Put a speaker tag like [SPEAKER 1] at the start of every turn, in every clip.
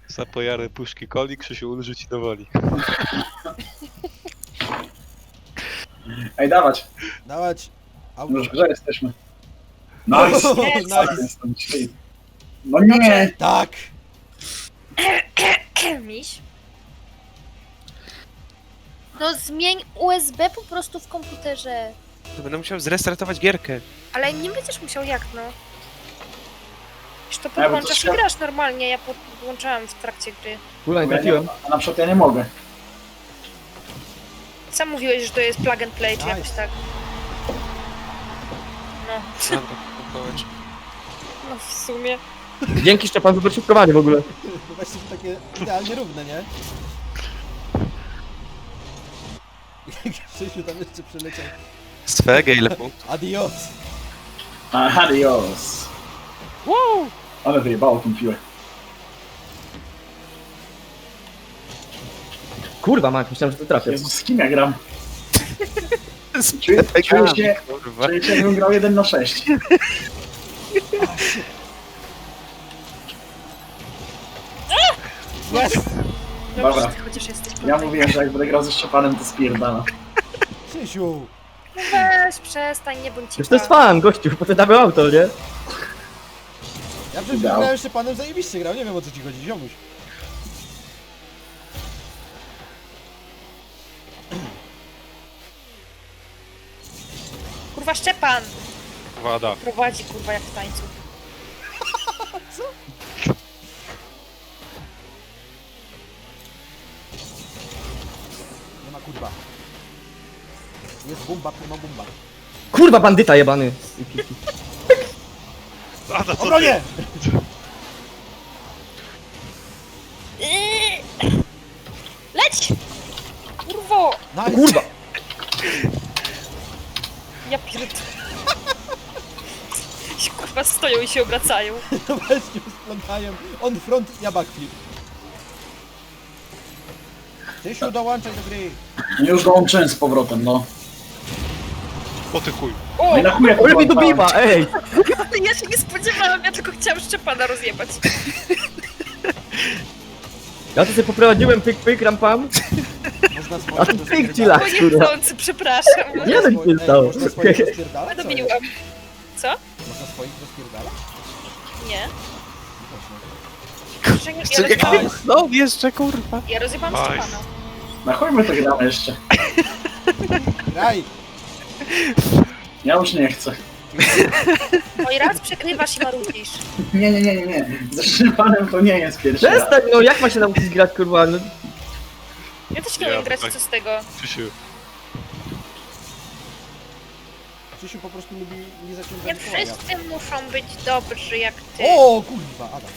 [SPEAKER 1] Zapojary puszki coli, Krzysiu ulży ci do woli.
[SPEAKER 2] Ej, dawać.
[SPEAKER 3] Dawać.
[SPEAKER 2] Już w grze jesteśmy. Nice!
[SPEAKER 3] Nice.
[SPEAKER 2] Jestem dzisiaj. No nie!
[SPEAKER 3] Tak.
[SPEAKER 4] Miś? No zmień USB po prostu w komputerze.
[SPEAKER 5] To będę musiał zrestartować gierkę.
[SPEAKER 4] Ale nie będziesz musiał jak no. Już to
[SPEAKER 2] bo to
[SPEAKER 4] podłączasz i
[SPEAKER 2] trzeba-
[SPEAKER 4] grasz normalnie, ja podłączałam w trakcie gry.
[SPEAKER 6] Kula, nie
[SPEAKER 2] Bo ja
[SPEAKER 6] trafiłem.
[SPEAKER 2] A na przykład ja nie mogę.
[SPEAKER 4] Sam mówiłeś, że to jest plug and play, czy
[SPEAKER 3] Nice.
[SPEAKER 4] jakoś tak. No,
[SPEAKER 5] Dobra, pokołacz.
[SPEAKER 4] no w sumie.
[SPEAKER 6] Dzięki Szczepan za doszybkowanie w ogóle.
[SPEAKER 3] To właśnie takie idealnie równe, nie? Jak Krzysiu tam jeszcze przyleciał.
[SPEAKER 5] Swego ile punktów?
[SPEAKER 3] Adios.
[SPEAKER 2] Adios. Ale wyjebało tą piłę.
[SPEAKER 6] Kurwa, Mak, myślałem, że to trafię.
[SPEAKER 2] Jezus, z kim ja gram? Czuję się,
[SPEAKER 5] Kurwa.
[SPEAKER 2] czuję się jakbym grał 1 na 6.
[SPEAKER 3] Jest.
[SPEAKER 4] Dobrze,
[SPEAKER 2] Dobra.
[SPEAKER 4] że ty chociaż jesteś
[SPEAKER 2] Ja mówiłem, że jak będę grał ze Szczepanem, to spierdala.
[SPEAKER 3] Krzysiu.
[SPEAKER 4] No weź, przestań, nie bądź
[SPEAKER 6] Już to jest fan, gościu, po to damy auto, nie?
[SPEAKER 3] Ja przecież
[SPEAKER 2] Dał.
[SPEAKER 3] grałem jeszcze panem zajebiście grał, nie wiem o co ci chodzi, ziomuś.
[SPEAKER 4] Kurwa Szczepan!
[SPEAKER 1] Wada.
[SPEAKER 4] Prowadzi kurwa jak w tańcu.
[SPEAKER 3] Nie ma kurwa. Jest bumba, kurwa bumba.
[SPEAKER 6] Kurwa, bandyta jebany.
[SPEAKER 1] Wada, co ty?
[SPEAKER 3] Obronie!
[SPEAKER 4] Leć! Kurwo!
[SPEAKER 3] Nice.
[SPEAKER 6] Kurwa.
[SPEAKER 4] Ja pierd... Kurwa stoją i się obracają.
[SPEAKER 3] No właśnie, splątają. On front, ja backflip. Krzysiu, dołączaj do gry.
[SPEAKER 2] No już dołączyłem z powrotem, no.
[SPEAKER 1] O ty chuj.
[SPEAKER 4] O!
[SPEAKER 2] No i na chuj ja
[SPEAKER 6] Ole mnie
[SPEAKER 2] podłączałem.
[SPEAKER 6] dobiła, ej!
[SPEAKER 4] Ja się nie spodziewałam, ja tylko chciałam Szczepana rozjebać.
[SPEAKER 6] Ja to sobie poprowadziłem pyk pyk ram pam,
[SPEAKER 3] Można
[SPEAKER 6] a
[SPEAKER 3] swoich
[SPEAKER 6] tu pyk ci lak,
[SPEAKER 4] Bo
[SPEAKER 6] kurwa.
[SPEAKER 4] niechcący, przepraszam.
[SPEAKER 6] Nie no, nic nie stało.
[SPEAKER 3] Można swoich rozpierdalać? Co jest?
[SPEAKER 4] Dobiłam. Co?
[SPEAKER 3] Można swoich rozpierdalać?
[SPEAKER 4] Nie.
[SPEAKER 3] Właśnie.
[SPEAKER 4] Że nie-
[SPEAKER 5] Jeszcze
[SPEAKER 4] Ja
[SPEAKER 5] nie
[SPEAKER 4] rozjebałam,
[SPEAKER 5] No jeszcze kurwa.
[SPEAKER 4] ja rozjebałam
[SPEAKER 1] Nice.
[SPEAKER 4] Szczepana.
[SPEAKER 2] Na chuj my to gramy jeszcze.
[SPEAKER 3] Graj!
[SPEAKER 2] Ja już nie chcę.
[SPEAKER 4] No i raz przekrywasz i marudzisz.
[SPEAKER 2] Nie. Ze Szczepanem to nie jest pierwszy raz.
[SPEAKER 6] Przestań, no jak ma się nauczyć grać, kurwa, no.
[SPEAKER 4] Ja też nie umiem grać, co z tego.
[SPEAKER 1] Krzysiu.
[SPEAKER 3] Krzysiu po prostu lubi nie
[SPEAKER 4] Nie
[SPEAKER 3] zaciągać koła.
[SPEAKER 4] wszyscy muszą być dobrzy jak ty.
[SPEAKER 3] O kurwa, Adam.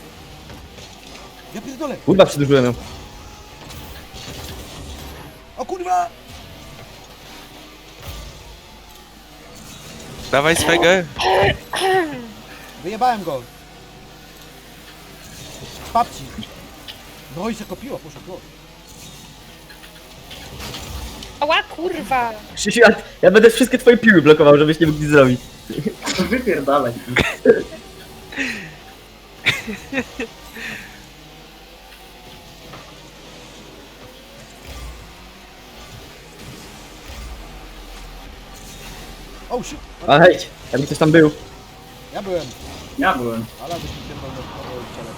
[SPEAKER 3] Ja pierdolę.
[SPEAKER 6] Kurwa, przedłużyłem ją.
[SPEAKER 3] O kurwa!
[SPEAKER 5] Dawaj swego.
[SPEAKER 3] Wyjebałem go. Papci. No i się kopiło, poszło go.
[SPEAKER 4] Ała kurwa!
[SPEAKER 6] Krzysiu, ja będę wszystkie twoje piły blokował, żebyś nie mógł nic zrobić.
[SPEAKER 2] Wypierdalaj.
[SPEAKER 3] Oh shit.
[SPEAKER 6] A hej, jakby ktoś tam był.
[SPEAKER 3] Ja byłem.
[SPEAKER 2] Ja byłem.
[SPEAKER 3] Ale byś mi pierdolę w ciele.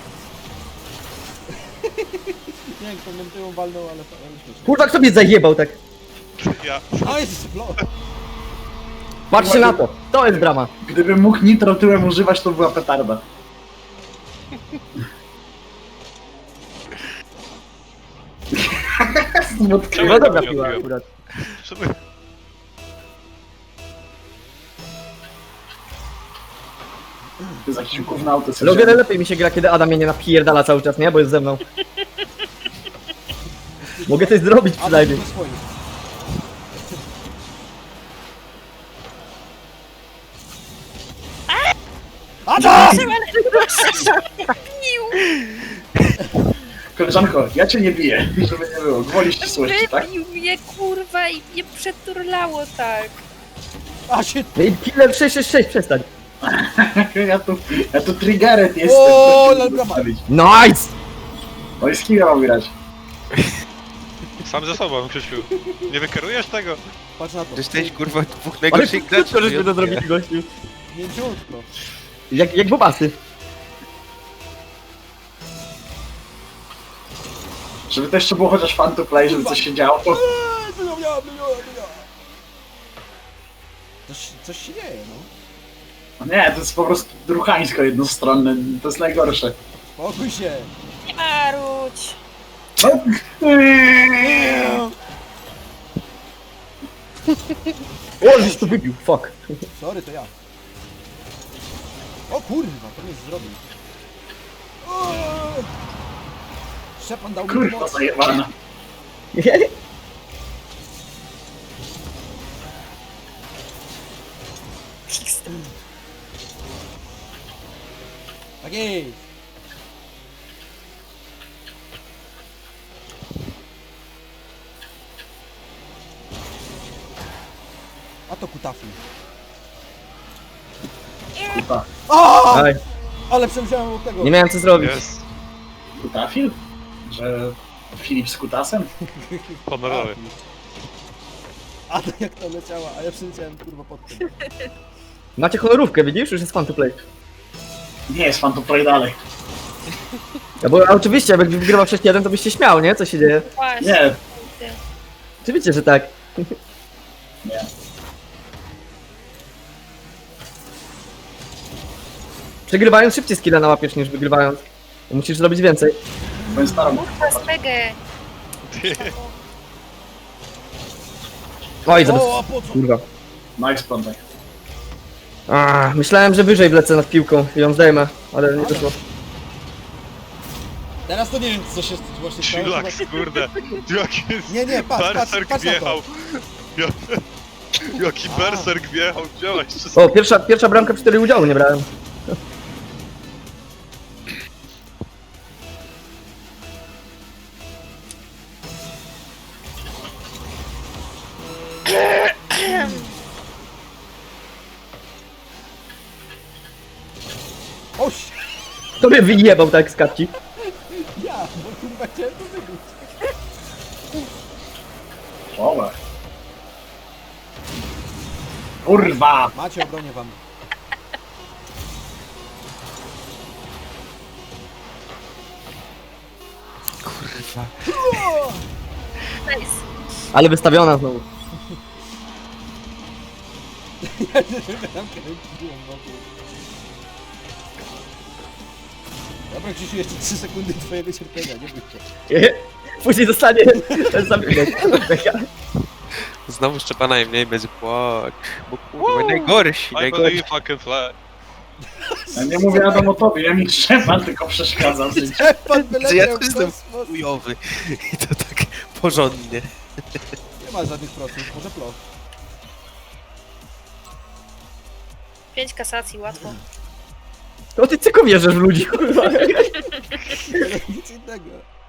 [SPEAKER 3] Nie wiem, kto mnie tyłą walnął, ale śmieszne.
[SPEAKER 6] Kurwa, kto mnie zajebał tak?
[SPEAKER 1] Ja.
[SPEAKER 3] Nice!
[SPEAKER 6] Patrzcie na to, to jest brama.
[SPEAKER 2] Gdybym mógł nitro tyłem używać, to była petarda. Smutka.
[SPEAKER 1] Czemu
[SPEAKER 6] No
[SPEAKER 1] ja
[SPEAKER 6] dobra
[SPEAKER 1] tego nie
[SPEAKER 6] piła
[SPEAKER 1] odbiłem?
[SPEAKER 6] akurat.
[SPEAKER 1] Czemu-
[SPEAKER 2] To jest jakiś gównauty.
[SPEAKER 6] Logan lepiej mi się gra, kiedy Adam mnie nie napierdala cały czas, nie? Bo jest ze mną. Mogę coś zrobić
[SPEAKER 3] A
[SPEAKER 6] przynajmniej.
[SPEAKER 3] to swoich. Adam!
[SPEAKER 2] Koleżanko, ja cię nie biję, żeby nie było. Gwoli ścisłości, tak?
[SPEAKER 4] Wybił mnie kurwa i mnie przeturlało tak.
[SPEAKER 3] A się...
[SPEAKER 6] Ej, Killer 666, przestań.
[SPEAKER 2] Ja tu triggered jestem.
[SPEAKER 3] O,
[SPEAKER 2] proszę
[SPEAKER 3] ale
[SPEAKER 2] mi
[SPEAKER 3] brawa.
[SPEAKER 2] zostawić.
[SPEAKER 6] Nice!
[SPEAKER 2] No i z kim ja mam grać?
[SPEAKER 1] Sam ze sobą, Krzysiu. Nie wykerujesz tego?
[SPEAKER 3] Patrz na to.
[SPEAKER 5] Jesteś kurwa dwóch
[SPEAKER 6] Ale
[SPEAKER 5] najgorszych graczy.
[SPEAKER 6] krótko żeśmy to zrobili, gościu.
[SPEAKER 3] Mięciutko.
[SPEAKER 6] Jak bobasy.
[SPEAKER 2] Żeby to jeszcze było chociaż fan to play, żeby coś się działo.
[SPEAKER 3] Coś się dzieje, no.
[SPEAKER 2] No nie, to jest po prostu druchańsko jednostronne, to jest najgorsze.
[SPEAKER 3] Spokój się.
[SPEAKER 4] Nie marudź.
[SPEAKER 6] O, żeś to wybił, fuck.
[SPEAKER 3] Sorry, to ja. O kurwa, to mnie zrobił. O! Szczepan dał mi
[SPEAKER 2] Kurwa
[SPEAKER 3] moc.
[SPEAKER 2] zajebana.
[SPEAKER 3] Tak jest. A to kutafi.
[SPEAKER 2] Kuta.
[SPEAKER 3] O!
[SPEAKER 6] Aj,
[SPEAKER 3] Ale przemyślałem od tego.
[SPEAKER 6] nie miałem co zrobić.
[SPEAKER 1] Jest.
[SPEAKER 2] Kutafil? Że Filip z kutasem?
[SPEAKER 1] Honorowy.
[SPEAKER 3] A to jak to leciała, a ja przemyślałem kurwa pod tym.
[SPEAKER 6] Macie honorówkę, widzisz? Już jest fun to play.
[SPEAKER 2] Nie jest fan to play dalej.
[SPEAKER 6] Ja bo oczywiście, jakby wygrywał 6-1, to byś się śmiał, nie? Co się dzieje?
[SPEAKER 4] Właśnie.
[SPEAKER 2] Nie,
[SPEAKER 6] Oczywiście, że tak.
[SPEAKER 2] nie.
[SPEAKER 6] Przegrywając szybciej skilla nałapiesz niż wygrywając. Bo musisz zrobić więcej.
[SPEAKER 2] Powiem starą.
[SPEAKER 4] Kurwa, swegę.
[SPEAKER 6] Oj, zaraz.
[SPEAKER 3] O, a po co?
[SPEAKER 6] Kurwa.
[SPEAKER 2] Nice plątek.
[SPEAKER 6] Myślałem, że wyżej wlecę nad piłką i ją zdejmę, ale nie wyszło.
[SPEAKER 3] Teraz to nie wiem co się właśnie stało.
[SPEAKER 1] Chillax, kurde. Jaki
[SPEAKER 3] Nie, patrz na
[SPEAKER 1] berserk
[SPEAKER 3] to.
[SPEAKER 1] wjechał. Jaki berserk wjechał, działaj wszystko.
[SPEAKER 6] O, pierwsza bramka, w której udziału nie brałem.
[SPEAKER 3] Oś!
[SPEAKER 6] Kto mnie wyjebał tak z kapci?
[SPEAKER 3] Ja, bo kurwa chciałem to wygrać.
[SPEAKER 2] Oła. Kurwa!
[SPEAKER 3] Macie, obronię wam.
[SPEAKER 5] Kurwa.
[SPEAKER 4] Nice.
[SPEAKER 6] Ale wystawiona znowu.
[SPEAKER 3] Ja tam kręciłem wokół. Dobra, Krzysiu, jeszcze 3 sekundy twojego cierpienia, nie bój się.
[SPEAKER 6] Później zostanie ten sam bilet.
[SPEAKER 5] Znowu Szczepana i mniej będzie płacz. Bo kurwa, najgorsi,
[SPEAKER 1] I
[SPEAKER 5] najgorsi.
[SPEAKER 1] believe I can fly.
[SPEAKER 2] Ja nie mówię Adam o tobie, ja mi Szczepan tylko przeszkadza w życiu.
[SPEAKER 3] Szczepan
[SPEAKER 5] Że ja
[SPEAKER 3] wyleciał
[SPEAKER 5] też
[SPEAKER 3] w
[SPEAKER 5] jestem
[SPEAKER 3] kosmos.
[SPEAKER 5] chujowy. I to tak porządnie.
[SPEAKER 3] Nie ma żadnych procent, może ploch.
[SPEAKER 4] 5 kasacji, łatwo.
[SPEAKER 6] To ty tylko wierzysz w ludzi, kurwa.
[SPEAKER 3] Nic innego.